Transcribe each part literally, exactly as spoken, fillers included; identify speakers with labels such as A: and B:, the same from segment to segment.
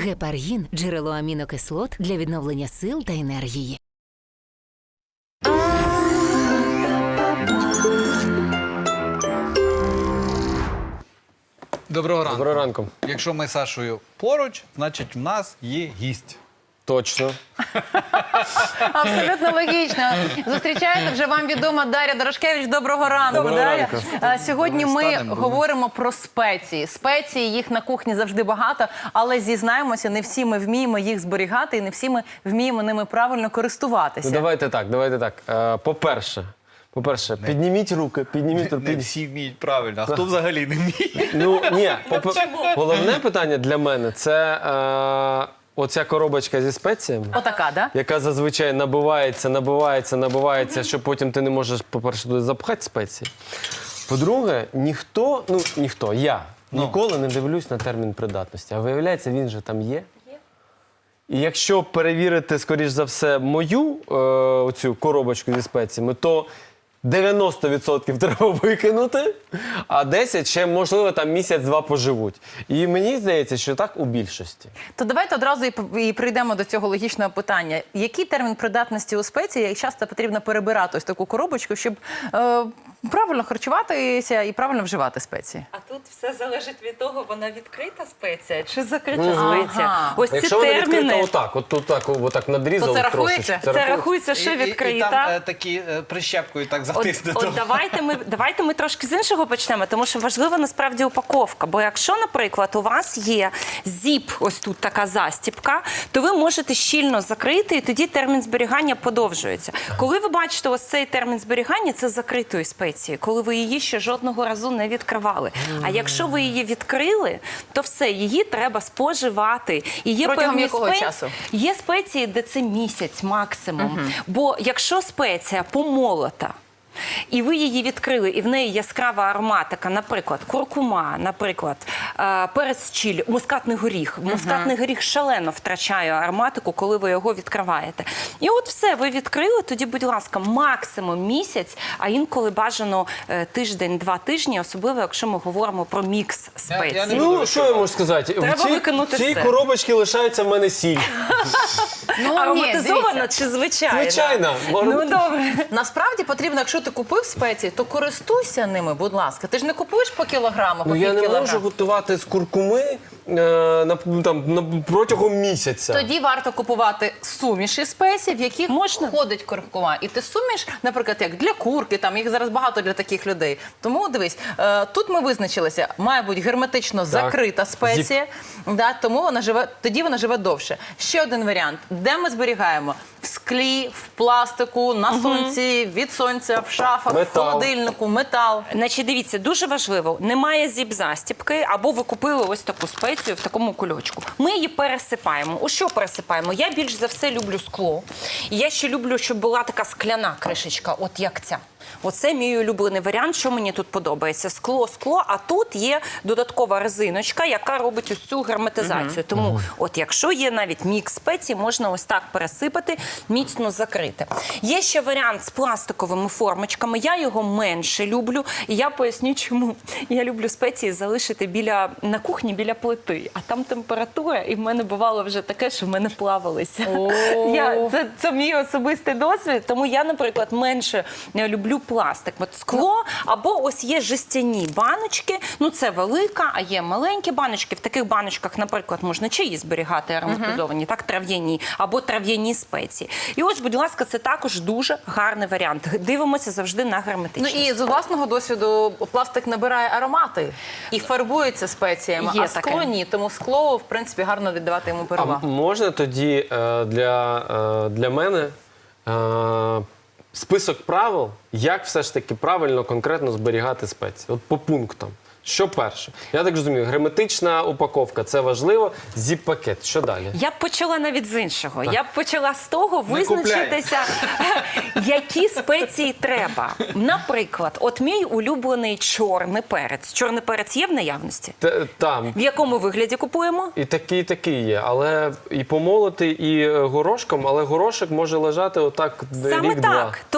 A: Гепаргін – джерело амінокислот для відновлення сил та енергії.
B: Доброго ранку.
C: Доброго ранку.
B: Якщо ми з Сашою поруч, значить в нас є гість.
C: Точно.
D: Абсолютно логічно. Зустрічаєте вже вам відома Дар'я Дорошкевич. Доброго ранку,
C: Доброго
D: Дар'я.
C: ранку.
D: А, Сьогодні ми
B: Станемо,
D: говоримо про спеції. Спеції, їх на кухні завжди багато, але зізнаємося, не всі ми вміємо їх зберігати і не всі ми вміємо ними правильно користуватися.
C: Ну, давайте так, давайте так. Е, По-перше, по-перше, підніміть руки, підніміть руки.
B: Не всі вміють правильно, а хто взагалі не вміє?
C: Ну, ні, попе- головне питання для мене – це е, оця коробочка зі спеціями,
D: Отака, да?
C: яка зазвичай набивається, набивається, набивається, що потім ти не можеш, по-перше, туди запхати спеції. По-друге, ніхто, ну, ніхто, я ніколи не дивлюсь на термін придатності. А виявляється, він же там є. І якщо перевірити, скоріш за все, мою е, оцю коробочку зі спеціями, то дев'яносто відсотків треба викинути, а десять ще, можливо, там місяць-два поживуть. І мені здається, що так у більшості.
D: То давайте одразу і, п- і прийдемо до цього логічного питання. Який термін придатності у спеції, як часто потрібно перебирати ось таку коробочку, щоб е, правильно харчуватися і правильно вживати спеції?
E: А тут все залежить від того, вона відкрита спеція чи закрита
D: Ага.
E: спеція. Ось ці
C: Якщо вона відкрита
E: терміни,
C: отак, от тут так, отак надрізав
D: То це
C: трошечки.
D: рахується?
E: це
C: рахується.
E: рахується, що
B: І- і- І
E: відкрита.
B: там е, такі е, прищепкою так
E: От,
B: затиснуто.
E: от давайте ми давайте ми трошки з іншого почнемо, тому що важлива насправді упаковка. Бо якщо, наприклад, у вас є зіп, ось тут така застіпка, то ви можете щільно закрити, і тоді термін зберігання подовжується. Коли ви бачите ось цей термін зберігання, це закритої спеції, коли ви її ще жодного разу не відкривали. А якщо ви її відкрили, то все, її треба споживати. І є
D: Протягом
E: певні
D: якого
E: спеції,
D: часу?
E: Є спеції, де це місяць максимум. Бо якщо спеція помолота, і ви її відкрили, і в неї яскрава ароматика, наприклад, куркума, наприклад, е, перець чилі, мускатний горіх. Мускатний горіх шалено втрачає ароматику, коли ви його відкриваєте. І от все, ви відкрили, тоді, будь ласка, максимум місяць, а інколи бажано е, тиждень-два тижні, особливо, якщо ми говоримо про мікс
B: Я- я
E: спецій.
B: не буду
C: Ну, що я можу сказати?
E: Треба
C: в цій,
E: викинути
C: в цій
E: все.
C: коробочці лишається в мене сіль.
D: Ну, ні,
E: Ароматизована
D: дивіться.
E: чи звичайна?
C: Звичайно.
E: Ну, добре.
D: Насправді потрібно, якщо ти купив спеції, то користуйся ними, будь ласка. Ти ж не купуєш по кілограму, по
C: Ну, я
D: пів
C: не
D: кілограма.
C: можу готувати з куркуми е, на, там, на, протягом місяця.
D: Тоді варто купувати суміші спецій, в яких
E: Можна.
D: входить куркума. І ти суміш, наприклад, як для курки, там їх зараз багато для таких людей. Тому дивись, е, тут ми визначилися, має бути герметично закрита спеція, да, тому вона живе, тоді вона живе довше. Ще один варіант, де ми зберігаємо? В склі, в пластику, на сонці, від сонця, в шафах,
C: Метал.
D: в холодильнику, метал.
E: Значить, дивіться, дуже важливо, немає зіп-застіпки, або ви купили ось таку спецію в такому кульочку. Ми її пересипаємо. У що пересипаємо? Я більш за все люблю скло. І я ще люблю, щоб була така скляна кришечка, от як ця. Оце мій улюблений варіант, що мені тут подобається. Скло, скло, а тут є додаткова резиночка, яка робить ось цю герметизацію. Тому от якщо є навіть мікс спецій, можна ось так пересипати, міцно закрити. Є ще варіант з пластиковими формочками. Я його менше люблю. І я поясню, чому. Я люблю спеції залишити біля, на кухні біля плити. А там температура, і в мене бувало вже таке, що в мене плавалися. Я, це, це мій особистий досвід, тому я, наприклад, менше люблю пластик. От скло, або ось є жестяні баночки, ну це велика, а є маленькі баночки. В таких баночках, наприклад, можна чаї зберігати ароматизовані, так, трав'яні, або трав'яні спеції. І ось, будь ласка, це також дуже гарний варіант. Дивимося завжди на
D: Ну
E: герметичність.
D: і з власного досвіду пластик набирає аромати і фарбується спеціями,
E: Є
D: а скло
E: таке.
D: ні. Тому скло, в принципі, гарно віддавати йому
C: А
D: перевагу.
C: можна тоді е, для, е, для мене е, список правил, як все ж таки правильно, конкретно зберігати спеції? От по пунктам. Що перше? Я так розумію, герметична упаковка – це важливо. Зіп-пакет. Що далі?
E: Я б почала навіть з іншого. Я б почала з того
B: Не
E: визначитися, які спеції треба. Наприклад, от мій улюблений чорний перець. Чорний перець є в наявності?
C: Т- Там.
E: В якому вигляді купуємо?
C: І такий, і такий є. Але і помолотий, і е, горошком, але горошок може лежати отак
E: Саме
C: рік-два.
E: так. Тому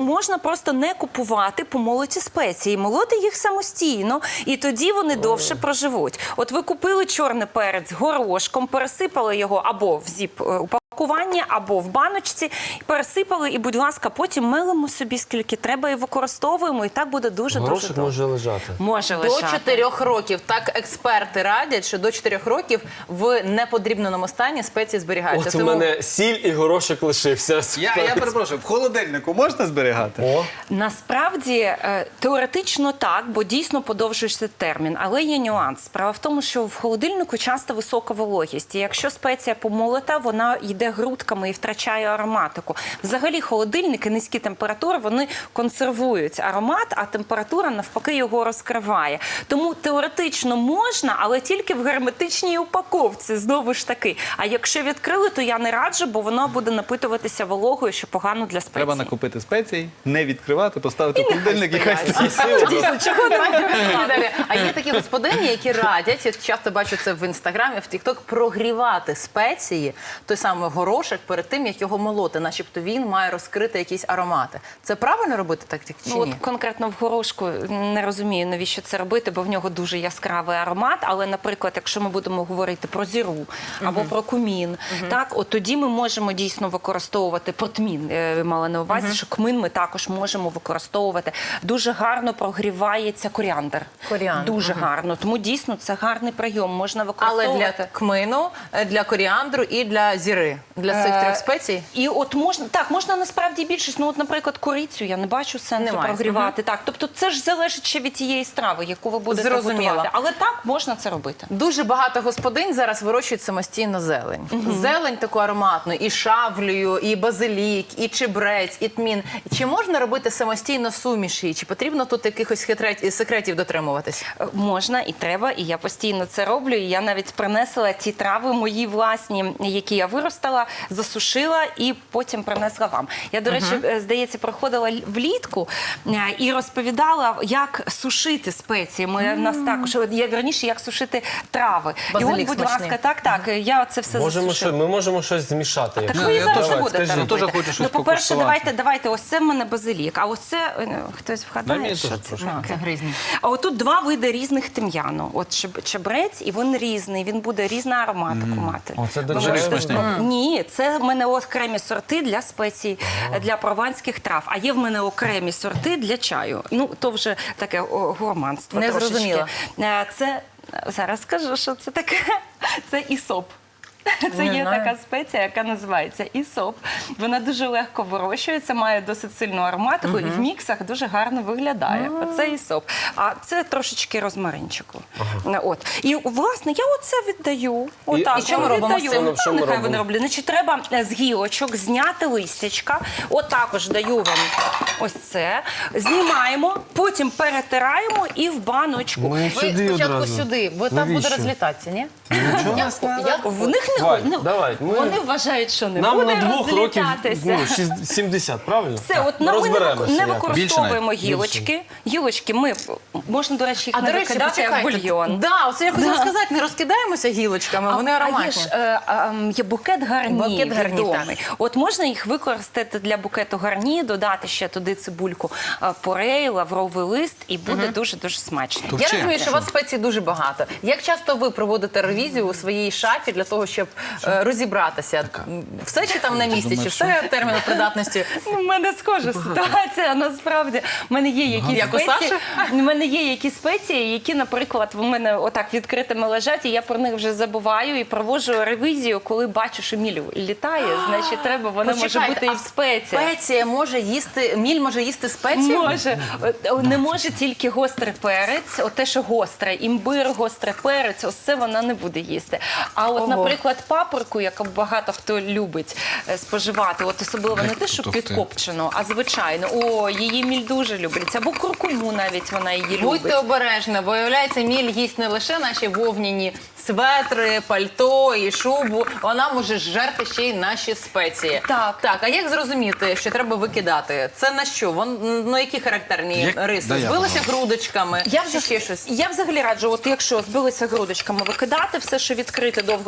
E: можна просто не купувати помолоті спеції, молоти їх самостійно, і тоді вони довше проживуть. От ви купили чорний перець горошком, пересипали його або в зіп упакування, або в баночці, пересипали, і, будь ласка, потім мелимо собі скільки треба і використовуємо, і так буде дуже-дуже
C: Горошок
E: добре.
C: може лежати.
E: Може
D: До
E: лежати.
D: чотирьох років. Так експерти радять, що до чотирьох років в неподрібненому стані спеції зберігаються.
C: От у мене сіль і горошок лишився.
B: Я, я перепрошую, в холодильнику можна зберігати?
C: О,
E: Насправді, е, теоретично так, бо дійсно подовжується термін, але є нюанс. Справа в тому, що в холодильнику часто висока вологість, і якщо спеція помолота, вона йде грудками і втрачає ароматику. Взагалі холодильники, низькі температури, вони консервують аромат, а температура навпаки його розкриває. Тому теоретично можна, але тільки в герметичній упаковці, знову ж таки. А якщо відкрили, то я не раджу, бо воно буде напитуватися вологою, що погано для спеції.
B: Треба накупити спецій, не відкривати, поставити в холодильник і хай стоїть.
E: Дійсно, чого не
D: Далі. А є такі господині, які радять, я часто бачу це в інстаграмі, в Тікток, прогрівати спеції, той самий горошок, перед тим, як його молоти, начебто він має розкрити якісь аромати. Це правильно робити так чи
E: Ну,
D: ні?
E: от конкретно в горошку не розумію, навіщо це робити, бо в нього дуже яскравий аромат. Але, наприклад, якщо ми будемо говорити про зіру або про кумін, так, от тоді ми можемо дійсно використовувати протмін, е, мала на увазі, що кмин ми також можемо використовувати. Дуже гарно прогрівається коріандр.
D: Коріандр,
E: Дуже гарно. Тому дійсно це гарний прийом. Можна
D: Але
E: використовувати.
D: для кмину, для коріандру і для зіри, для цих
E: Е,
D: трьох спецій.
E: І от можна, так, можна насправді більшість, ну от, наприклад, корицю я не бачу сенсу
D: Немає.
E: прогрівати. Так, тобто це ж залежить ще від тієї страви, яку ви будете
D: Зрозуміла.
E: готувати. Але так, можна це робити.
D: Дуже багато господинь зараз вирощують самостійно зелень. Зелень таку ароматну, і шавлію, і базилік, і чебрець, і тмін. Чи можна робити самостійно суміші? Чи потрібно тут якихось хитрет- секретів дотримуватись?
E: Е, Можна і треба, і я постійно це роблю. І я навіть принесла ті трави мої власні, які я виростала, засушила і потім принесла вам. Я, до речі, е, здається, проходила л- влітку е, і розповідала, як сушити спеції. Ми в нас також, от я раніше, як сушити трави. і от,
D: Базилік
E: будь
D: смачний.
E: ласка, так, так, я це все
C: можемо
E: засушила.
C: що, ми можемо щось змішати.
E: Так
C: якщо-
E: ви і
B: я
E: зараз
B: теж-
E: не будете
C: скажіть.
E: робити.
B: Я теж хочу щось
E: Ну, по-перше,
B: покуштувати.
E: давайте, давайте, ось це в мене базилік, а ось це, е, хтось
B: Дай
E: вгадає,
B: мені
E: що
B: теж
E: це
B: трошки.
E: таке?
D: Це гризні.
E: А отут два види різних тим'яну. От чеб- чебрець, і він різний, він буде різну ароматику мати.
C: О, це
E: Ви
C: дуже
E: можете
B: смачний.
E: спробувати. Ні, це в мене окремі сорти для спецій, для прованських трав, а є в мене окремі сорти для чаю. Ну, то вже таке о, гурманство
D: Не
E: трошечки.
D: зрозуміла.
E: Е, Це, зараз скажу, що це таке. Це ісоп. Це
D: Не
E: є
D: знаю.
E: така спеція, яка називається ісоп. Вона дуже легко вирощується, має досить сильну ароматику і в міксах дуже гарно виглядає. Оце ісоп. А це трошечки розмаринчику. От. І, власне, я оце віддаю. Отак,
D: і що ми
E: от
D: робимо з
E: віддаю.
D: цим?
E: Ну,
C: Що ми
E: нехай
C: робимо?
E: вони роблять. Значить, треба з гілочок зняти листячка. От також даю вам ось це. Знімаємо, потім перетираємо і в баночку.
C: Ми
D: Ви
C: сюди
D: спочатку
C: одразу.
D: сюди, бо там буде
C: Навіщо?
D: розлітатися, ні?
C: Нічого.
D: Я- я-
E: В них не
C: Давай,
E: ходить.
C: давай, ми-
E: Вони вважають, що не
C: Нам
E: буде
C: на двох років
E: розлітатися.
C: ну, шість- сімдесят, правильно?
E: Все, от на ми не,
C: Розберемося
E: не
C: якось.
E: використовуємо
B: Більше
E: гілочки. Гілочки ми можна, до речі, їх
D: А,
E: не
D: до речі,
E: викидати як
D: почекайте.
E: бульйон.
D: Да, оце я хотіла сказати, не розкидаємося гілочками, вони
E: А є
D: ароматні.
E: ж е, а, м, є букет гарні,
D: Букет гарні,
E: відомий. От можна їх використати для букету гарні, додати ще туди цибульку е, порей, лавровий лист, і буде дуже-дуже смачно.
B: То
D: Я
B: Вчи.
D: розумію, що у вас спецій дуже багато. Як часто ви проводите ревізію у своїй шафі для того, щоб е, розібратися? Все чи там на місці, чи
B: думаєш,
D: все терміну придатності?
E: У мене схожа ситуація, насправді. У мене є якісь
D: Як у
E: спеції,
D: Саші?
E: у мене є якісь спеції, які, наприклад, в мене отак відкритими лежать, і я про них вже забуваю і проводжу ревізію, коли бачу, що міль літає, значить треба, вона може
D: Почекайте,
E: бути і
D: а
E: в спеції.
D: Спеція може їсти, міль може їсти спеції?
E: Може. От, Не може тільки гострий перець, от те, що гостре, імбир, гострий перець, ось це вона не буде їсти. А от,
D: Ого.
E: наприклад, паприку, яку багато хто любить е, споживати, от особливо не те, що
B: Ух ти.
E: підкопчену, а звичайно, о, її міль дуже любить. Або куркуму навіть вона її
D: Будьте
E: любить.
D: обережні, бо, виявляється, міль їсть не лише наші вовняні светри, пальто і шубу, вона може жерти ще й наші спеції.
E: Так.
D: Так, а як зрозуміти, що треба викидати? Це на що? Вон, ну, які характерні
B: Як-
D: риси?
B: Да, я
D: Збилися грудочками?
E: Я,
D: чи
E: взаг...
D: ще щось?
E: я взагалі раджу, от якщо збилися грудочками, викидати все, що відкрите, довго стоїть,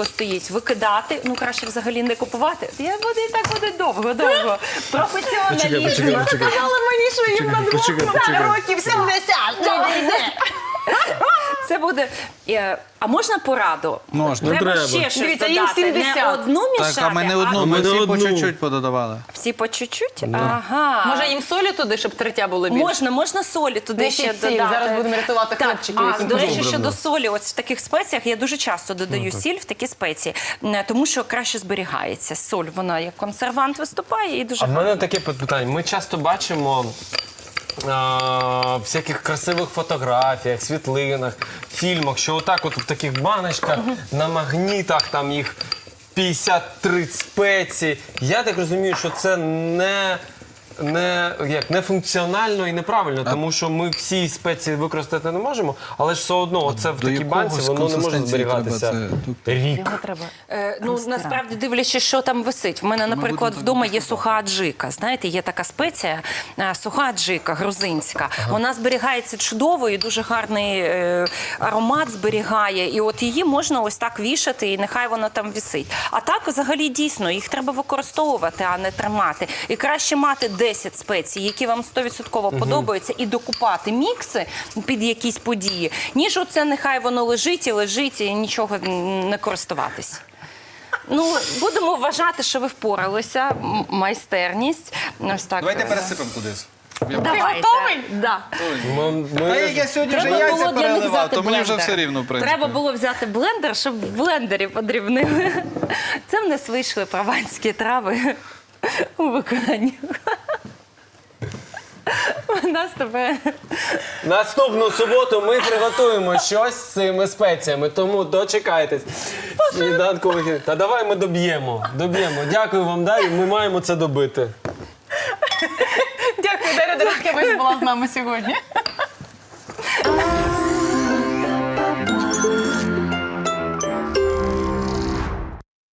E: викидати. Ну, краще взагалі не купувати. Я буду і так буде довго-довго. Професіоналізм.
D: Вона сказала мені, що їм на двох років сімдесят.
E: Це буде. е, А можна пораду?
B: Можна.
E: Треба,
C: Ну, треба.
E: ще щось
D: Дивіться, їм
E: додати. Не
D: сімдесят.
E: одну мішати,
B: Так, а ми не одну,
C: А
B: ми
C: ми не
B: всі по
C: одну.
B: чуть-чуть пододавали.
E: всі по чуть-чуть? Ага.
D: Може їм солі туди, щоб третя було більше?
E: Можна, можна солі туди
D: Несіть
E: ще
D: сіль,
E: додати.
D: зараз будемо рятувати
E: Так,
D: хлопчиків,
E: а,
D: яким
E: до речі,
C: добре,
E: щодо
C: да.
E: солі, ось в таких спеціях я дуже часто додаю сіль в такі спеції, м, тому що краще зберігається. Соль, вона як консервант виступає і дуже
C: А в мене таке питання. Ми часто бачимо а, в всяких красивих фотографіях, світлинах, фільмах, що отак от в таких баночках, на магнітах там їх п'ятдесят три спеції. Я так розумію, що це не... Не, як, не функціонально і неправильно, тому що ми всі спеції використати не можемо, але ж все одно це в
B: до
C: такій банці
B: якогось
C: воно не може
B: консистенції
C: зберігатися
B: треба це тут.
C: рік.
E: Його треба. Е, ну, насправді, дивлячись, що там висить. В мене, наприклад,
B: будемо
E: вдома
B: так
E: є суха аджика. Знаєте, є така спеція, е, суха аджика, грузинська. Вона зберігається чудово і дуже гарний е, аромат зберігає. І от її можна ось так вішати, і нехай вона там висить. А так, взагалі, дійсно, їх треба використовувати, а не тримати. І краще мати десять спецій, які вам сто відсотків подобаються, і докупати мікси під якісь події, ніж оце нехай воно лежить і лежить, і нічого не користуватись. Ну, будемо вважати, що ви впоралися. М- Майстерність. Ось так.
B: Давайте пересипемо кудись.
E: Давайте.
D: готовий?
E: Да.
C: Ми, ми-
B: Та як я сьогодні вже
E: Треба
B: яйця
E: було для них
B: переливав,
E: взяти
B: то мені вже
E: блендер.
B: все рівно, в принципі.
E: Треба було взяти блендер, щоб в блендері подрібнили. Це в нас вийшли прованські трави у виконанні. У нас тепер...
C: Наступну суботу ми приготуємо щось з цими спеціями, тому дочекайтесь. Сніданкових- Та давай ми доб'ємо. Доб'ємо. Дякую вам, Дар'я. Ми маємо це добити.
D: Дякую, Дар'я Дорохкевич була з нами сьогодні.